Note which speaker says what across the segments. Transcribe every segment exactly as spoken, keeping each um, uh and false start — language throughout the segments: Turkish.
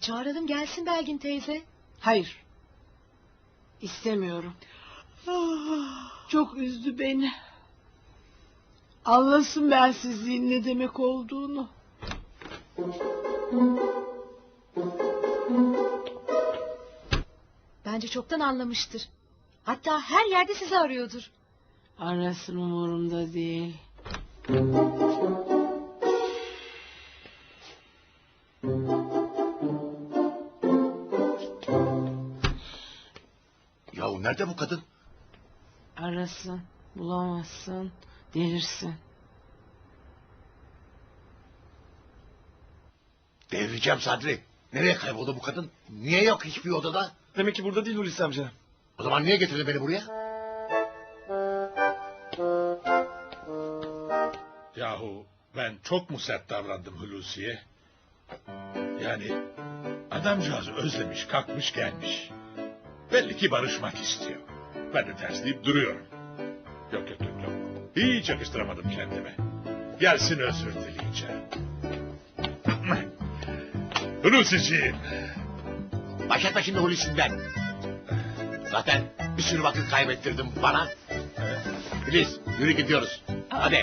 Speaker 1: Çağıralım gelsin Belgin teyze.
Speaker 2: Hayır. İstemiyorum. Çok üzdü beni. Anlasın bensizliğin ne demek olduğunu.
Speaker 1: Bence çoktan anlamıştır. Hatta her yerde sizi arıyordur.
Speaker 2: Arasın, umurumda değil.
Speaker 3: Yahu nerede bu kadın?
Speaker 2: Arasın, bulamazsın, delirsin.
Speaker 3: Devireceğim Sadri. Nereye kayboldu bu kadın? Niye yok hiçbir odada?
Speaker 4: Demek ki burada değil Hulusi amca.
Speaker 3: O zaman niye getirdin beni buraya?
Speaker 5: Yahu ben çok mu sert davrandım Hulusi'ye? Yani adamcağız özlemiş, kalkmış gelmiş. Belli ki barışmak istiyor. Ben de tersleyip duruyorum. Yok yok yok yok. Hiç yakıştıramadım kendime. Gelsin özür dileyeceğim. Hulusi'ciğim.
Speaker 3: Başlatma şimdi Hulusi'nden. Zaten bir sürü vakit kaybettirdim bana. Filiz yürü gidiyoruz. Hadi.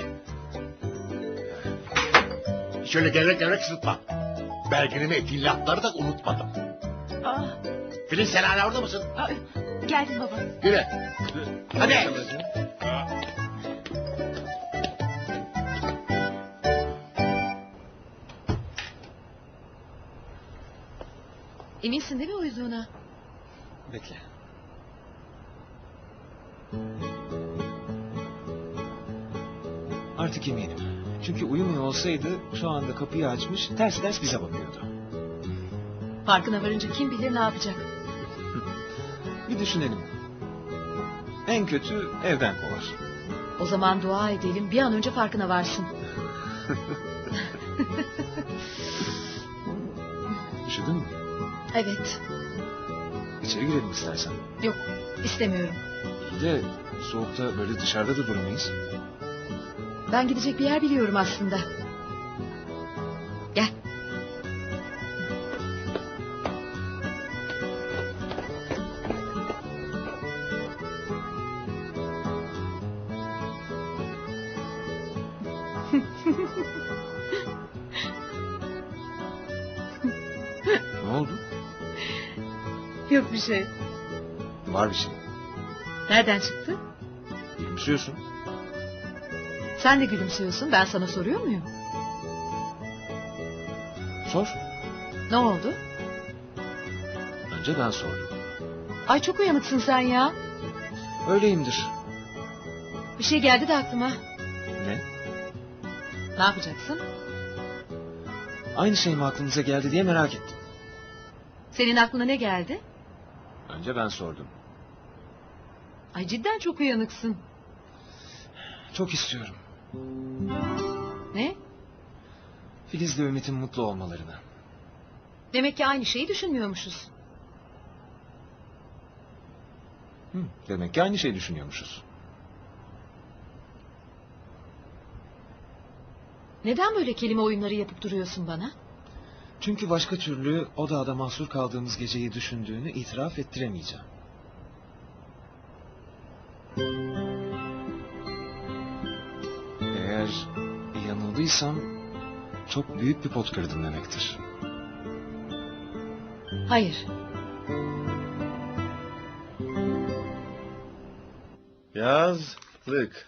Speaker 3: Şöyle gevrek gevrek sırtma. Belginimi ettiğin lafları da unutmadım.
Speaker 1: Aa,
Speaker 3: Filiz sen hala orada mısın?
Speaker 1: aa, geldim baba.
Speaker 3: Yürü. Hadi.
Speaker 1: Eminsin değil mi uyuduğuna?
Speaker 4: Bekle. Artık eminim. Çünkü uyumuyor olsaydı şu anda kapıyı açmış ters ters bize bakıyordu.
Speaker 1: Farkına varınca kim bilir ne yapacak.
Speaker 4: Bir düşünelim. En kötü evden kovar.
Speaker 1: O zaman dua edelim bir an önce farkına varsın.
Speaker 4: Üşüdün mü?
Speaker 1: Evet.
Speaker 4: İçeri girelim istersen.
Speaker 1: Yok istemiyorum.
Speaker 4: İyi de soğukta böyle dışarıda da durmayız.
Speaker 1: Ben gidecek bir yer biliyorum aslında. Gel.
Speaker 4: Ne oldu?
Speaker 1: Yok bir şey.
Speaker 4: Var bir şey.
Speaker 1: Nereden çıktı?
Speaker 4: Gülümsüyorsun.
Speaker 1: Sen de gülümsüyorsun. Ben sana soruyor muyum?
Speaker 4: Sor.
Speaker 1: Ne oldu?
Speaker 4: Önce ben sordum.
Speaker 1: Ay çok uyanıksın sen ya.
Speaker 4: Öyleyimdir.
Speaker 1: Bir şey geldi de aklıma.
Speaker 4: Ne?
Speaker 1: Ne yapacaksın?
Speaker 4: Aynı şey mi aklınıza geldi diye merak ettim.
Speaker 1: Senin aklına ne geldi?
Speaker 4: Önce ben sordum.
Speaker 1: Ay cidden çok uyanıksın.
Speaker 4: Çok istiyorum.
Speaker 1: Ne?
Speaker 4: Filiz'le Ümit'in mutlu olmalarını.
Speaker 1: Demek ki aynı şeyi düşünmüyormuşuz.
Speaker 4: Hı, demek ki aynı şeyi düşünüyormuşuz.
Speaker 1: Neden böyle kelime oyunları yapıp duruyorsun bana?
Speaker 4: Çünkü başka türlü o dağda mahsur kaldığımız geceyi düşündüğünü itiraf ettiremeyeceğim. Eğer yanıldıysam çok büyük bir pot kırdım demektir.
Speaker 1: Hayır.
Speaker 3: Yazlık.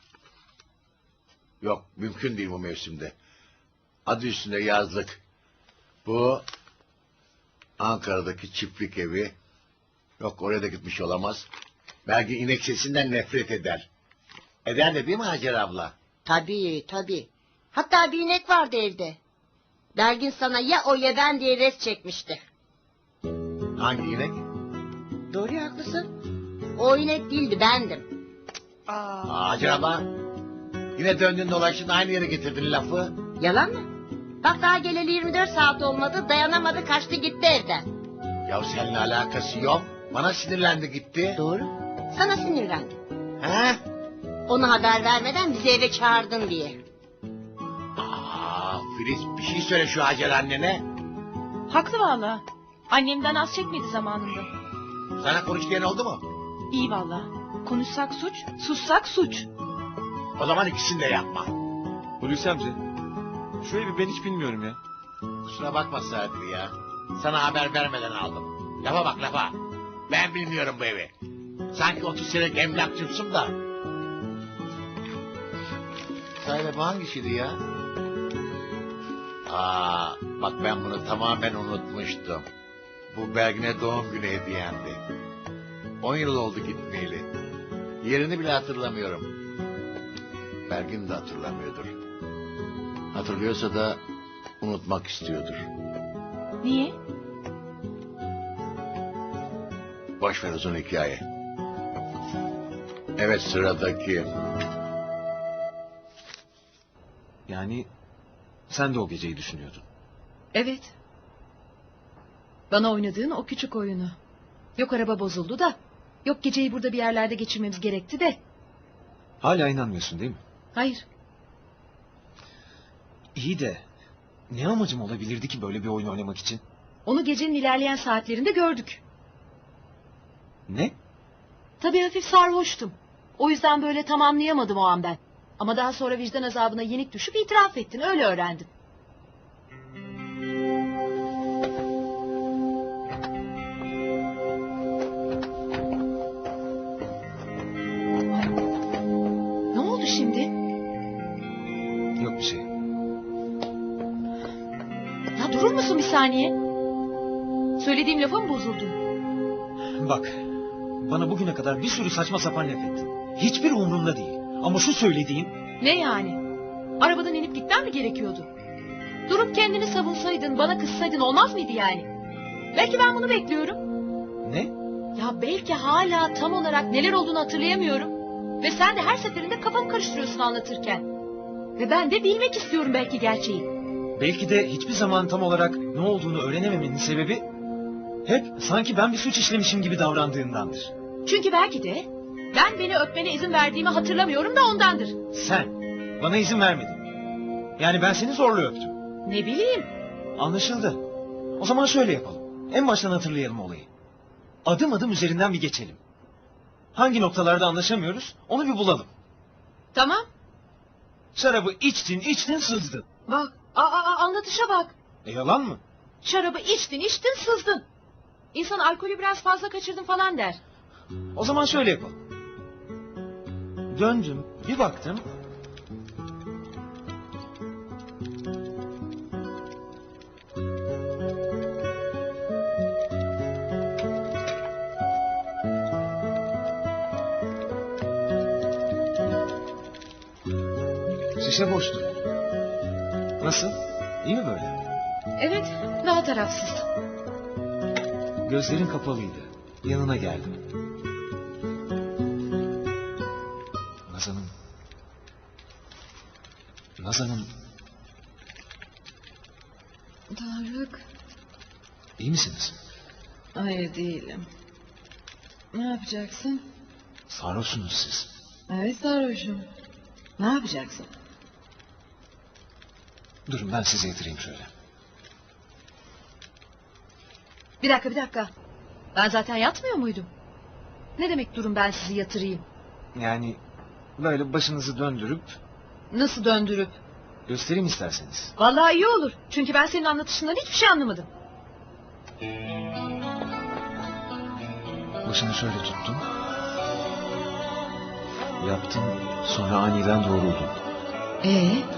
Speaker 3: Yok mümkün değil bu mevsimde. Adı üstünde yazlık. Bu Ankara'daki çiftlik evi. Yok oraya da gitmiş olamaz. Belki inek sesinden nefret eder. Eder de değil mi Hacer abla?
Speaker 6: Tabii tabii. Hatta bir inek vardı evde. Belgin sana ya o ya ben diye res çekmişti.
Speaker 3: Hangi inek?
Speaker 6: Doğru ya, haklısın. O inek değildi, bendim.
Speaker 3: Aa, Hacer abla. Yine döndün dolaştın aynı yere getirdin lafı.
Speaker 6: Yalan mı? Bak daha geleli yirmi dört saat olmadı, dayanamadı, kaçtı gitti evden.
Speaker 3: Ya seninle alakası yok. Bana sinirlendi gitti.
Speaker 6: Doğru. Sana sinirlendim.
Speaker 3: He?
Speaker 6: Ona haber vermeden bizi eve çağırdın diye.
Speaker 3: Aa, Filiz bir şey söyle şu Hacer annene.
Speaker 1: Haklı valla. Annemden az çekmedi zamanında.
Speaker 3: Sana konuş diyen oldu mu?
Speaker 1: İyi valla. Konuşsak suç, sussak suç.
Speaker 3: O zaman ikisini de yapma.
Speaker 4: Hulusi amca. Şu evi ben hiç bilmiyorum ya.
Speaker 3: Kusura bakma Sadir ya. Sana haber vermeden aldım. Lafa bak lafa. Ben bilmiyorum bu evi. Sanki otuz senelik emlakçımsın da. Sahi bu hangisiydi ya? Aa, bak ben bunu tamamen unutmuştum. Bu Belgin'e doğum günü hediyemdi. On yıl oldu gitmeyeli. Yerini bile hatırlamıyorum. Belgin de hatırlamıyordur. Hatırlıyorsa da unutmak istiyordur.
Speaker 1: Niye?
Speaker 3: Boş ver uzun hikaye. Evet sıradaki.
Speaker 4: Yani sen de o geceyi düşünüyordun.
Speaker 1: Evet. Bana oynadığın o küçük oyunu. Yok araba bozuldu da. Yok geceyi burada bir yerlerde geçirmemiz gerekti de.
Speaker 4: Hala inanmıyorsun değil mi?
Speaker 1: Hayır.
Speaker 4: İyi de ne amacım olabilirdi ki böyle bir oyun oynamak için?
Speaker 1: Onu gecenin ilerleyen saatlerinde gördük.
Speaker 4: Ne?
Speaker 1: Tabii hafif sarhoştum. O yüzden böyle tamamlayamadım o an ben. Ama daha sonra vicdan azabına yenik düşüp itiraf ettin. Öyle öğrendim. Ne oldu şimdi?
Speaker 4: Yok bir şey.
Speaker 1: Ya durur musun bir saniye? Söylediğim lafa mı bozuldun?
Speaker 4: Bak, bana bugüne kadar bir sürü saçma sapan laf ettin. Hiçbir umurumda değil. Ama şu söylediğin...
Speaker 1: Ne yani? Arabadan inip gitmen mi gerekiyordu? Durup kendini savunsaydın, bana kızsaydın olmaz mıydı yani? Belki ben bunu bekliyorum.
Speaker 4: Ne?
Speaker 1: Ya belki hala tam olarak neler olduğunu hatırlayamıyorum. Ve sen de her seferinde kafamı karıştırıyorsun anlatırken. Ve ben de bilmek istiyorum belki gerçeği.
Speaker 4: Belki de hiçbir zaman tam olarak ne olduğunu öğrenememenin sebebi... hep sanki ben bir suç işlemişim gibi davrandığındandır.
Speaker 1: Çünkü belki de ben beni öpmene izin verdiğimi hatırlamıyorum da ondandır.
Speaker 4: Sen bana izin vermedin. Yani ben seni zorla öptüm.
Speaker 1: Ne bileyim.
Speaker 4: Anlaşıldı. O zaman şöyle yapalım. En baştan hatırlayalım olayı. Adım adım üzerinden bir geçelim. Hangi noktalarda anlaşamıyoruz onu bir bulalım.
Speaker 1: Tamam.
Speaker 4: Şarabı içtin içtin sızdın.
Speaker 1: Bak. Aa, aa, anlatışa bak.
Speaker 4: E yalan mı?
Speaker 1: Şarabı içtin içtin sızdın. İnsan alkolü biraz fazla kaçırdın falan der.
Speaker 4: O zaman şöyle yapalım. Döndüm bir baktım. Şişe boştu. Nasıl? İyi mi böyle?
Speaker 1: Evet, daha tarafsız.
Speaker 4: Gözlerin kapalıydı. Yanına geldim. Nazan'ım. Nazan'ım.
Speaker 1: Tarık.
Speaker 4: İyi misiniz?
Speaker 1: Hayır değilim. Ne yapacaksın?
Speaker 4: Sarhoşsunuz siz.
Speaker 1: Evet sarhoşum. Ne yapacaksın?
Speaker 4: Durun ben sizi yatırayım şöyle.
Speaker 1: Bir dakika bir dakika. Ben zaten yatmıyor muydum? Ne demek durun ben sizi yatırayım?
Speaker 4: Yani böyle başınızı döndürüp
Speaker 1: Nasıl döndürüp?
Speaker 4: göstereyim isterseniz.
Speaker 1: Vallahi iyi olur. Çünkü ben senin anlatışından hiçbir şey anlamadım.
Speaker 4: Başını şöyle tuttum. Yaptım sonra aniden doğruldum.
Speaker 1: Ee?